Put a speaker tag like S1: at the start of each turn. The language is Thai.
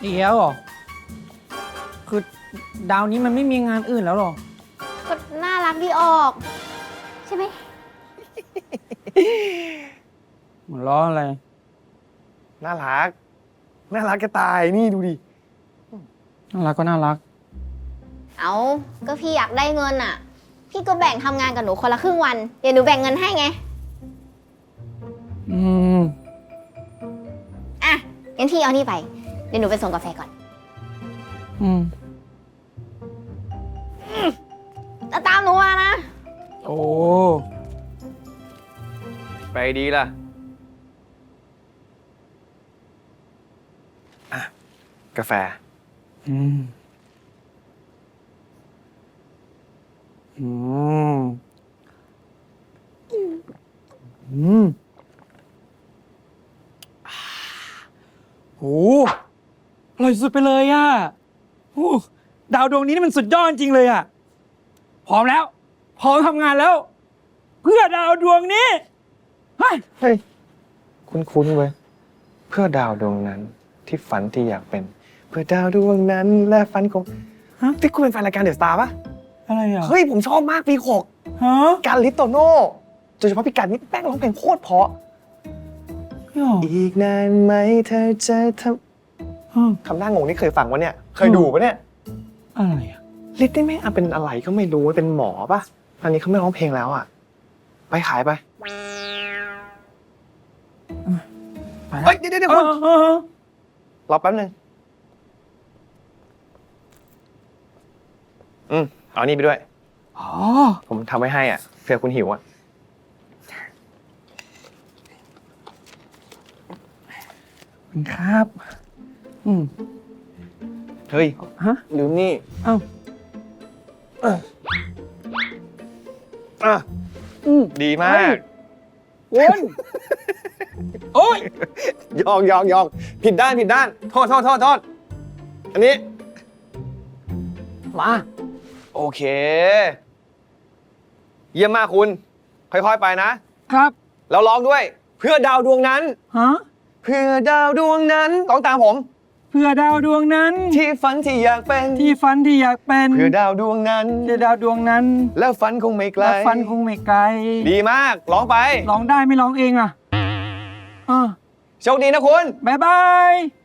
S1: เดี๋ยวเหรอคือดาวนี้มันไม่มีงานอื่นแล้วหรอ
S2: ก็น่ารักดีออก ใช่ไหม
S1: หัวล้ออะไร
S3: น่ารักจะตายนี่ดูดิ
S1: น่ารักก็น่ารัก
S2: เอาก็พี่อยากได้เงินอ่ะ พี่ก็แบ่งทำงานกับหนูคนละครึ่งวัน เดี๋ยวหนูแบ่งเงินให้ไง
S1: อืม
S2: อ่ะงั้นพี่เอานี่ไป เดี๋ยวหนูไปส่งกาแฟก่อน
S1: อืม
S2: แล้วตามหนูมานะ
S1: โอ้
S3: ไปดีล่ะอ่ะกาแฟ
S1: อืมอืมอืมโหอร่อยสุดไปเลยอ่ะโอ้ดาวดวงนี้นี่มันสุดยอดจริงเลยอ่ะพร้อมแล้วพร้อมทำงานแล้ว เพื่อดาวดวงนี้เฮ้ย
S3: คุ้นเว้ยเพื่อดาวดวงนั้นที่ฝันที่อยากเป็น เพื่อดาวดวงนั้นและฝันของที่คุณเป็นแฟนรายการเดอะสตาร์ปะ
S1: อะไรอ่ะ
S3: เฮ้ยผมชอบมากปีหก
S1: ฮะ
S3: การลิปโตโน่โดยเฉพาะพี่การนี่แป้งร้องเพลงโคตรเพราะอีกนานไหมเธอจะทำหน้างงนี่เคยฟังวะเนี่ยเคยดูปะเนี่ย
S1: อะไรอ่ะ
S3: ลิปนี่แม่งเป็นอะไรก็ไม่รู้เป็นหมอปะตอนนี้เขาไม่ร้องเพลงแล้วอ่ะไปขายไปเฮ้ยเดี๋ยวคุณรอแป๊บนึงเอานี่ไปด้วย
S1: อ๋อ
S3: ผมทำไว้ให้อ่ะเผื่อคุณหิวอ่ะ
S1: ครับ
S3: เฮ้ย
S1: ฮะ
S3: ลืมนี่
S1: เอ้า
S3: ดีมาก
S1: วนโอ้ย
S3: ยองผิดด้านโทษอันนี้
S1: มา
S3: โอเคเยี่ยมมากคุณค่อยๆไปนะครับแล้วร้องด้วยเพื่อดาวดวงนั้น
S1: ฮะ
S3: เพื่อดาวดวงนั้นร้องตามผม
S1: เพื่อดาวดวงนั้น
S3: ที่ฝันที่อยากเป็น
S1: ที่ฝันที่อยากเป็น
S3: เพื่อดาวดวงนั้น
S1: เพื่อดาวดวงนั้น
S3: แล้วฝันคงไม่ไกล
S1: แล้วฝันคงไม่ไกล
S3: ดีมากร้องไป
S1: ร้องได้ไม่ร้องเองอ่ะ
S3: โชคดีนะคุณ
S1: บ๊ายบาย